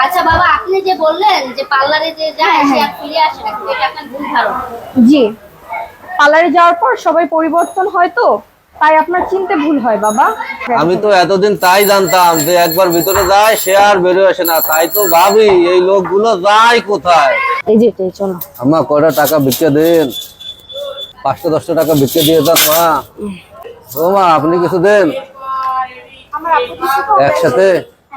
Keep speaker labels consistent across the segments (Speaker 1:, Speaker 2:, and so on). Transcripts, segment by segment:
Speaker 1: আচ্ছা বাবা, আপনি যে বললেন যে পার্লারে যে যায় সে আর ফিরে আসে না, এটা আপনার ভুল ধারণা।
Speaker 2: জি, পার্লারে যাওয়ার পর সবাই পরিবর্তন হয়, তো তাই আপনার চিনতে ভুল হয় বাবা।
Speaker 3: আমি তো এতদিন তাই জানতাম যে একবার ভিতরে যায় সে আর বেরোয় আসে না, তাই তো ভাবি এই লোকগুলো যায় কোথায়।
Speaker 2: এই যে চলো।
Speaker 3: আম্মা কয়টা টাকা ভিক্ষা দেন, 500-10 টাকা ভিক্ষা দিয়ে যান মা। ও মা আপনি কিছু দেন একসাথে।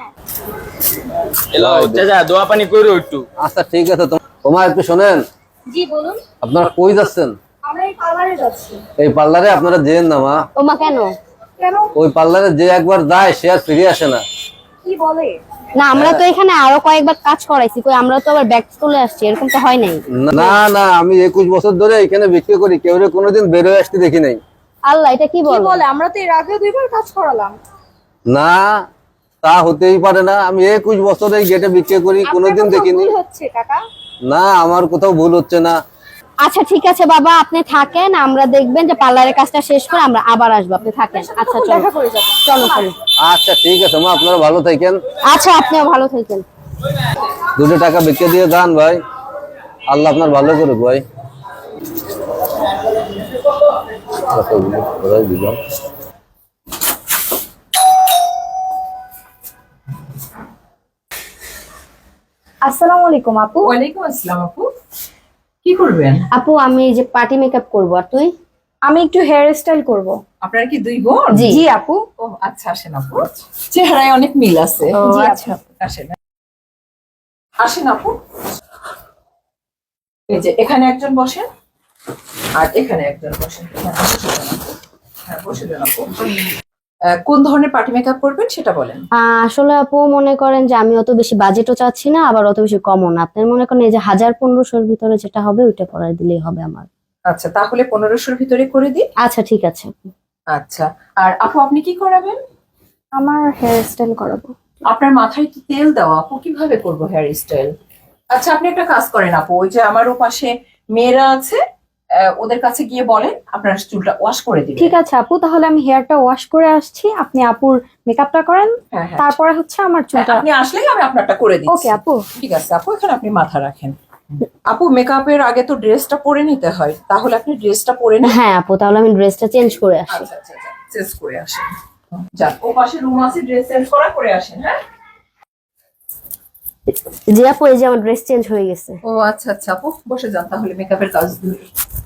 Speaker 4: দোয়া পানি করো একটু।
Speaker 3: আচ্ছা ঠিক আছে, তোমার একটু শোনেন।
Speaker 1: জি বলুন।
Speaker 3: আপনারা কই যাচ্ছেন?
Speaker 2: আমরা এই পার্লারে যাচ্ছি।
Speaker 3: এই পার্লারে আপনারা যেন না মা।
Speaker 1: ওমা কেন?
Speaker 2: কেন?
Speaker 3: ওই পার্লারে যে একবার যায় সে আর ফিরে আসে না।
Speaker 2: কি বলে?
Speaker 1: না, আমরা তো এখানে আরো কয়েকবার কাজ করাইছি, কই আমরা তো আবার ব্যাক চলে আসছি, এরকম তো হয় নাই।
Speaker 3: না না, আমি 21 বছর ধরে এখানে বিক্রি করি, কেউ কোনোদিন বেরোয় আসতে দেখি নাই।
Speaker 1: আল্লাহ, এটা কি
Speaker 2: কি
Speaker 1: বলে?
Speaker 2: বলে? আমরা তো এর আগে 2বার কাজ করালাম।
Speaker 3: না, তা হতেই পারে না। আমি 21 বছর এই গেটে বিক্রি করি, কোনোদিন দেখিনি।
Speaker 2: ভুল হচ্ছে কাকা।
Speaker 3: না, আমার কোথাও ভুল হচ্ছে না।
Speaker 1: আচ্ছা ঠিক আছে বাবা, আপনি থাকেন, আমরা দেখবেন যে পার্লারের কাজটা শেষ করে আমরা আবার আসবো, আপনি থাকেন। আচ্ছা চলো,
Speaker 2: দেখা করে যাবো।
Speaker 1: চলো চলো।
Speaker 3: আচ্ছা ঠিক আছে মা, আপনারা ভালো থাকেন।
Speaker 1: আচ্ছা আপনিও ভালো থাকেন।
Speaker 3: 2 টাকা বিক্রি দিয়ে যান ভাই, আল্লাহ আপনার ভালো করুক ভাই।
Speaker 2: আসসালামু আলাইকুম আপু।
Speaker 5: ওয়ালাইকুম আসসালাম আপু, কি করবেন?
Speaker 1: আপু আমি এই যে পার্টি মেকআপ করবো, আর তুই?
Speaker 2: আমি একটু হেয়ার স্টাইল করব।
Speaker 5: আপনারা কি 2 বোন?
Speaker 1: জি।
Speaker 2: জি আপু।
Speaker 5: ও আচ্ছা, আসেন আপু, চেহারায় অনেক মিল আছে।
Speaker 1: ও,
Speaker 5: জি
Speaker 1: আচ্ছা।
Speaker 5: আসেন আসেন আপু। এই যে এখানে একজন বসেন আর এখানে একজন বসেন। হ্যাঁ, বসে যান আপু। কোন ধরনের পার্টি মেকআপ করবেন সেটা বলেন।
Speaker 1: আসলে আপু মনে করেন যে আমি অত বেশি বাজেটও চাচ্ছি না, আবার অত বেশি কমও না। আপনার মনে করেন এই যে 1000-1500-র ভিতরে যেটা হবে ওইটা করার দিলেই হবে আমার।
Speaker 5: আচ্ছা, তাহলে 1500-র ভিতরে করে দিই।
Speaker 1: আচ্ছা ঠিক আছে।
Speaker 5: আচ্ছা, আর আপু আপনি কি করাবেন?
Speaker 2: আমার হেয়ার স্টাইল করাবো।
Speaker 5: আপনার মাথায় তো তেল দেওয়া, আপু কিভাবে করবো হেয়ার স্টাইল? আচ্ছা, আপনি একটা কাজ করেন আপু, ওই যে আমার ওপাশে মেয়েরা আছে, ওদের কাছে গিয়ে বলেন আপনার চুলটা ওয়াশ করে দিবেন।
Speaker 2: ঠিক আছে আপু, তাহলে আমি হেয়ারটা ওয়াশ করে আসছি, আপনি আপুর মেকআপটা করেন,
Speaker 5: হ্যাঁ হ্যাঁ,
Speaker 2: তারপরে হচ্ছে আমার চুলটা।
Speaker 5: আপনি আসলেই আমি আপনারটা করে দিচ্ছি।
Speaker 2: ওকে আপু।
Speaker 5: ঠিক আছে আপু, এখানে আপনি মাথা রাখেন। আপু মেকআপের আগে তো ড্রেসটা পরে নিতে হয়, তাহলে আপনি ড্রেসটা পরে নিন।
Speaker 1: হ্যাঁ আপু, তাহলে আমি ড্রেসটা চেঞ্জ করে আসি।
Speaker 5: আচ্ছা আচ্ছা, চেঞ্জ করে আসেন। যান, ও পাশে রুম আছে, ড্রেস চেঞ্জ করা করে আসেন। হ্যাঁ।
Speaker 1: জি আপু, এই যে আমার ড্রেস চেঞ্জ হয়ে গেছে।
Speaker 5: ও আচ্ছা আচ্ছা আপু, বসে যান তাহলে মেকআপের কাজ ধরে।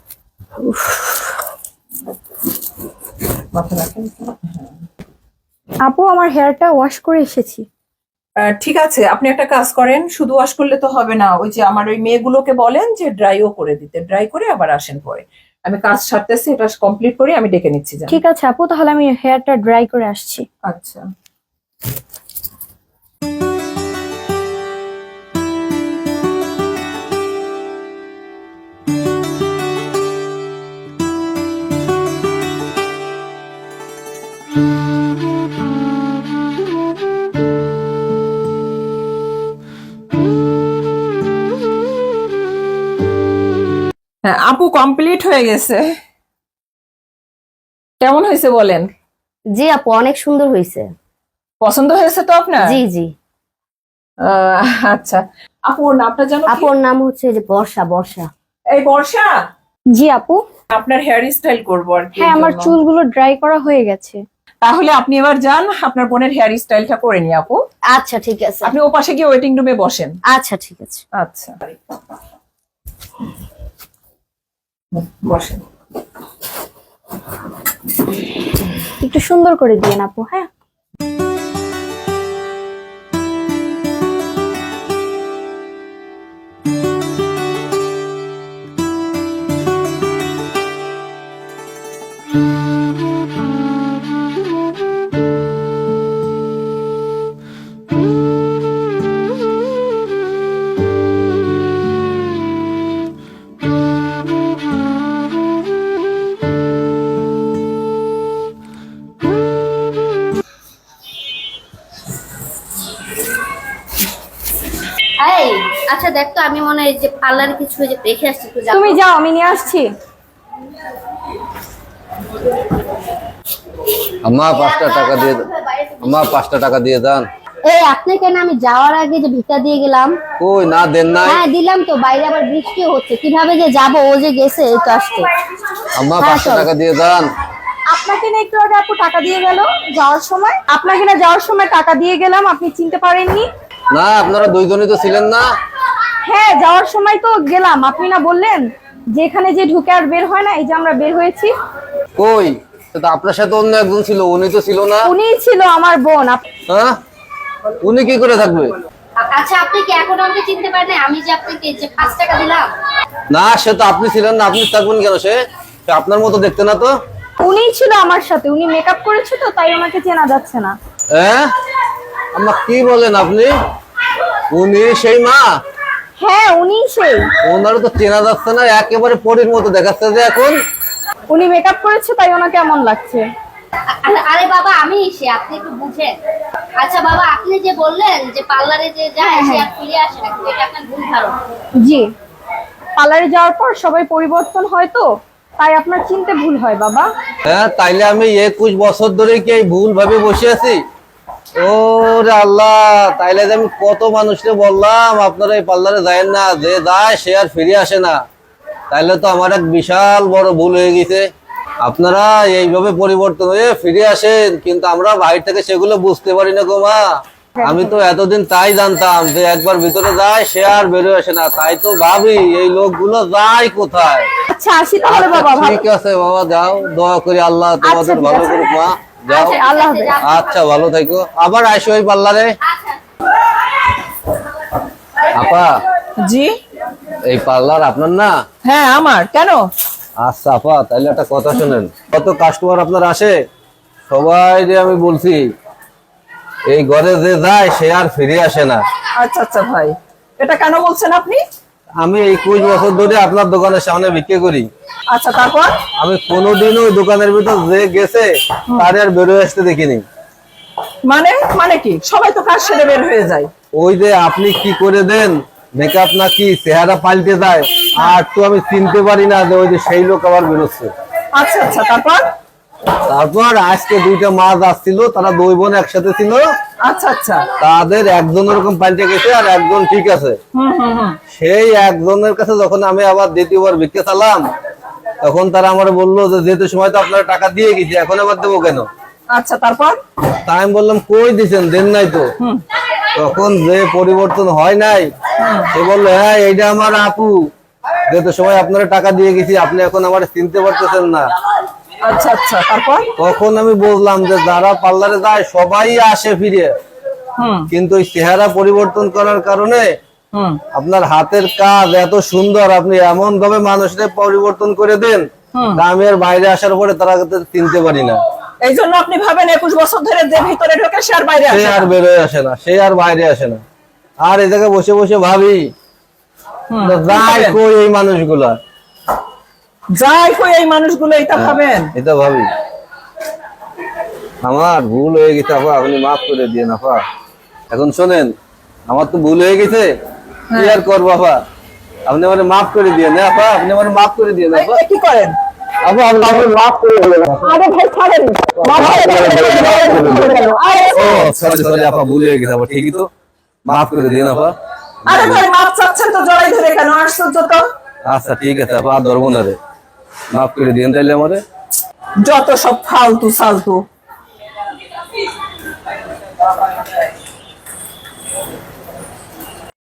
Speaker 5: মাথা রাখেন।
Speaker 2: আপু আমার হেয়ারটা ওয়াশ করে এসেছি।
Speaker 5: ঠিক আছে, আপনি একটা কাজ করেন, শুধু ওয়াশ করলে তো হবে না, ওই যে আমার ওই মেয়েগুলোকে বলেন যে ড্রাইও করে দিতে, ড্রাই করে আবার আসেন পরে। আমি কাজ সারতেছি, এটা কমপ্লিট করে আমি ডেকে নিচ্ছি। যান।
Speaker 2: ঠিক আছে আপু, তাহলে আমি হেয়ারটা ড্রাই করে আসছি।
Speaker 5: আচ্ছা। হ্যাঁ আপু, কমপ্লিট হয়ে গেছে। কেমন হয়েছে বলেন?
Speaker 1: জি আপু, অনেক সুন্দর হয়েছে।
Speaker 5: পছন্দ হয়েছে তো আপনার?
Speaker 1: জি জি।
Speaker 5: আচ্ছা আপু, ওর নামটা জানো?
Speaker 1: আপুর নাম হচ্ছে যে বর্ষা। বর্ষা।
Speaker 5: এই বর্ষা,
Speaker 2: জি আপু।
Speaker 5: আপনার হেয়ার স্টাইল করবো আর কি।
Speaker 2: হ্যাঁ, আমার চুলগুলো ড্রাই করা হয়ে গেছে।
Speaker 5: তাহলে আপনি এবার যান, আপনার বোনের হেয়ার স্টাইলটা করে নি আপু।
Speaker 1: আচ্ছা ঠিক আছে।
Speaker 5: আপনি ও পাশে গিয়ে ওয়েটিং রুমে বসেন।
Speaker 1: আচ্ছা ঠিক আছে।
Speaker 5: আচ্ছা, বসেন।
Speaker 2: একটু সুন্দর করে দিয়েন আপু। হ্যাঁ।
Speaker 1: এই আচ্ছা দেখ তো, আমি মনে হয় যে পার্লারে কিছু যে রেখে আসছি, একটু যাবো।
Speaker 2: তুমি যাও, আমি নিয়ে আসছি।
Speaker 3: আম্মা 5টা টাকা দিয়ে, আম্মা 5টা টাকা দিয়ে যান।
Speaker 1: এই আপনি কেন, আমি যাওয়ার আগে যে ভিক্ষা দিয়ে গেলাম।
Speaker 3: কই না দেন নাই?
Speaker 1: হ্যাঁ দিলাম তো, বাইরে আবার বৃষ্টি হচ্ছে, কিভাবে যে যাবো, ও যে গেছে এই তো আসতে।
Speaker 3: আম্মা
Speaker 1: হ্যাঁ,
Speaker 3: 500
Speaker 1: চল।
Speaker 3: টাকা দিয়ে যান।
Speaker 2: আপনাকে না একটু আগে আপু টাকা দিয়ে গেল যাওয়ার সময়, আপনাকে না যাওয়ার সময় টাকা দিয়ে গেলাম, আপনি চিনতে পারেননি?
Speaker 3: না আপনারা দুইজনই তো ছিলেন না?
Speaker 2: হ্যাঁ যাওয়ার সময় তো গেলাম, আপনি না বললেন যে এখানে যে ঢুকে আর বের হয় না, এই যে আমরা বের হয়েছি।
Speaker 3: কই তো আপনার সাথে অন্য একজন ছিল, উনি তো ছিল না।
Speaker 2: উনিই ছিল আমার বোন।
Speaker 3: হ্যাঁ উনি কি করে থাকবে?
Speaker 1: আচ্ছা আপনি কি এখন আমাকে চিনতে পারেন না? আমি যে আপনাকে যে 5 টাকা দিলাম।
Speaker 3: না সে তো আপনি ছিলেন না, আপনি থাকবেন কেন? সে আপনার মতো দেখতে না তো।
Speaker 2: উনিই ছিল আমার সাথে, উনি মেকআপ করেছে তো তাই ওনাকে চেনা যাচ্ছে না।
Speaker 3: হ্যাঁ আম্মা কি বলেন আপনি? উনি সেই মা?
Speaker 2: হ্যাঁ উনিই সেই।
Speaker 3: ওনারও তো চেনা যাচ্ছে না, একেবারে পরীর মতো দেখাচ্ছে যে এখন।
Speaker 2: উনি মেকআপ করেছে তাই ওনাকে এমন লাগছে।
Speaker 1: আরে বাবা আমি সে, আপনি একটু বুঝেন। আচ্ছা বাবা আপনি যে বললেন যে পার্লারে যে যায় সে আর ফিরে আসে না, এটা আপনার ভুল ধারণা।
Speaker 2: জি, পার্লারে যাওয়ার পর সবাই পরিবর্তন হয় তো তাই আপনার চিনতে ভুল হয় বাবা।
Speaker 3: হ্যাঁ তাইলে আমি 21 বছর ধরে কি এই ভুল ভাবে বসে আছি? ওরে আল্লাহ, তাইলে যে আমি কত মানুষকে বললাম আপনারা এই পার্লারে যায়েন না, যে যায় সে আর ফিরে আসে না। তাইলে তো আমার এক বিশাল বড় ভুল হয়ে গেছে। আপনারা এইভাবে পরিবর্তন হয়ে ফিরে আসেন, কিন্তু আমরা বাইরে থেকে সেগুলো বুঝতে পারি না গো মা। আমি তো এতদিন তাই জানতাম যে একবার ভিতরে যায় সে আর বেরোয় আসে না, তাই তো ভাবি এই লোকগুলো যায় কোথায়।
Speaker 2: আচ্ছা আসি তাহলে
Speaker 3: আচ্ছা,
Speaker 2: বাবা।
Speaker 3: ঠিক আছে বাবা, যাও, দোয়া করি আল্লাহ তোমাদের
Speaker 2: ঠিক
Speaker 3: ভালো
Speaker 2: আছে।
Speaker 3: করুক মা। যাও,
Speaker 2: আচ্ছা, আল্লাহ হাফেজ।
Speaker 3: আচ্ছা ভালো থাকো, আবার আসো ওই পার্লারে। আপা
Speaker 5: জি
Speaker 3: এই পার্লার আপনার না?
Speaker 5: হ্যাঁ আমার, কেন?
Speaker 3: আচ্ছা আপা তাহলে একটা কথা শুনেন, কত কাস্টমার আপনার আসে, সবাই যে আমি বলছি এই ঘরে যে যায় সে আর ফিরে আসে না।
Speaker 5: আচ্ছা আচ্ছা ভাই, এটা কেন বলছেন আপনি?
Speaker 3: আমি 21 বছর ধরে আপনার দোকানের সামনে বিক্রি করি।
Speaker 5: আচ্ছা তারপর?
Speaker 3: আমি কোনোদিনও ওই দোকানের ভিতর যে গেছে তার আর বেরোয় আসতে দেখিনি।
Speaker 5: মানে মানে কি, সবাই তো কাজ সেরে বের হয়ে যায়।
Speaker 3: ওই যে আপনি কি করে দেন, মেকআপ নাকি চেহারা পাল্টে যায়, আর তো আমি চিনতে পারি না যে ওই যে সেই লোক আবার বেরোচ্ছে।
Speaker 5: আচ্ছা আচ্ছা তারপর?
Speaker 3: তারপর আজকে 2টা মাছ আসছিল, তারা 2 বোন একসাথে ছিল।
Speaker 5: আচ্ছা আচ্ছা।
Speaker 3: তাদের একজন ওরকম পাল্টে গেছে আর একজন ঠিক আছে। সেই একজনের কাছে যখন আমি আবার দ্বিতীয়বার ভিক্ষা চালাম, তখন তারা আমার বললো যে যেতে সময় তো আপনারা টাকা দিয়ে গেছি, এখন আবার দেবো কেন?
Speaker 5: আচ্ছা তারপর?
Speaker 3: তাই আমি বললাম কই দিছেন, দেন নাই তো। তখন যে পরিবর্তন হয় নাই, সে বললো হ্যাঁ এইটা আমার আপু, যেতে সময় আপনারা টাকা দিয়ে গেছি, আপনি এখন আমার চিনতে পারতেছেন না।
Speaker 5: আচ্ছা আচ্ছা তারপর?
Speaker 3: তখন আমি বুঝলাম যে যারা পার্লারে যায় সবাই আসে ফিরে, কিন্তু ওই চেহারা পরিবর্তন করার কারণে আপনার হাতের কাজ এত সুন্দর, আপনি এমন ভাবে মানুষদের পরিবর্তন করে দেন, তা আমি আর বাইরে আসার পরে তারা চিনতে পারি না।
Speaker 5: এই জন্য আপনি ভাবেন 21 বছর ধরে যে ভিতরে ঢোকে সে আর বাইরে
Speaker 3: সে
Speaker 5: আসে
Speaker 3: আর
Speaker 5: না।
Speaker 3: বেরোয় আসে না, সে আর বাইরে আসে না। আর এই জায়গায় বসে বসে ভাবি যায় কই এই মানুষগুলা,
Speaker 5: যাই কই এই মানুষগুলো, এটা ভাবেন?
Speaker 3: এটা ভাবি। আমার ভুল হয়ে গেছে আপা, আপনি মাফ করে দিয়ে আপা। এখন শোনেন, আমার তো ভুল হয়ে গেছে, কি আর করবো আপা, আপনি আমার মাফ করে দিয়ে না আপা, আপনি আমার মাফ করে দিয়ে না আপা।
Speaker 5: কি করেন?
Speaker 3: আপা আপনি আমার মাফ করে দিলেন।
Speaker 5: আরে ভাই ছাড়েন।
Speaker 3: ও সরি সরি আপা, ভুল হয়ে গেছে আপা, ঠিকই তো, মাফ করে দিন আপা।
Speaker 5: আরে ভাই মাপ চাচ্ছেন তো জড়াই ধরে কেন? আশ্চর্য তো।
Speaker 3: আচ্ছা ঠিক আছে আপা, আর ধরবো না রে, মাফ করে দিন তাইলে আমারে।
Speaker 5: যত সব ফালতু সালতু।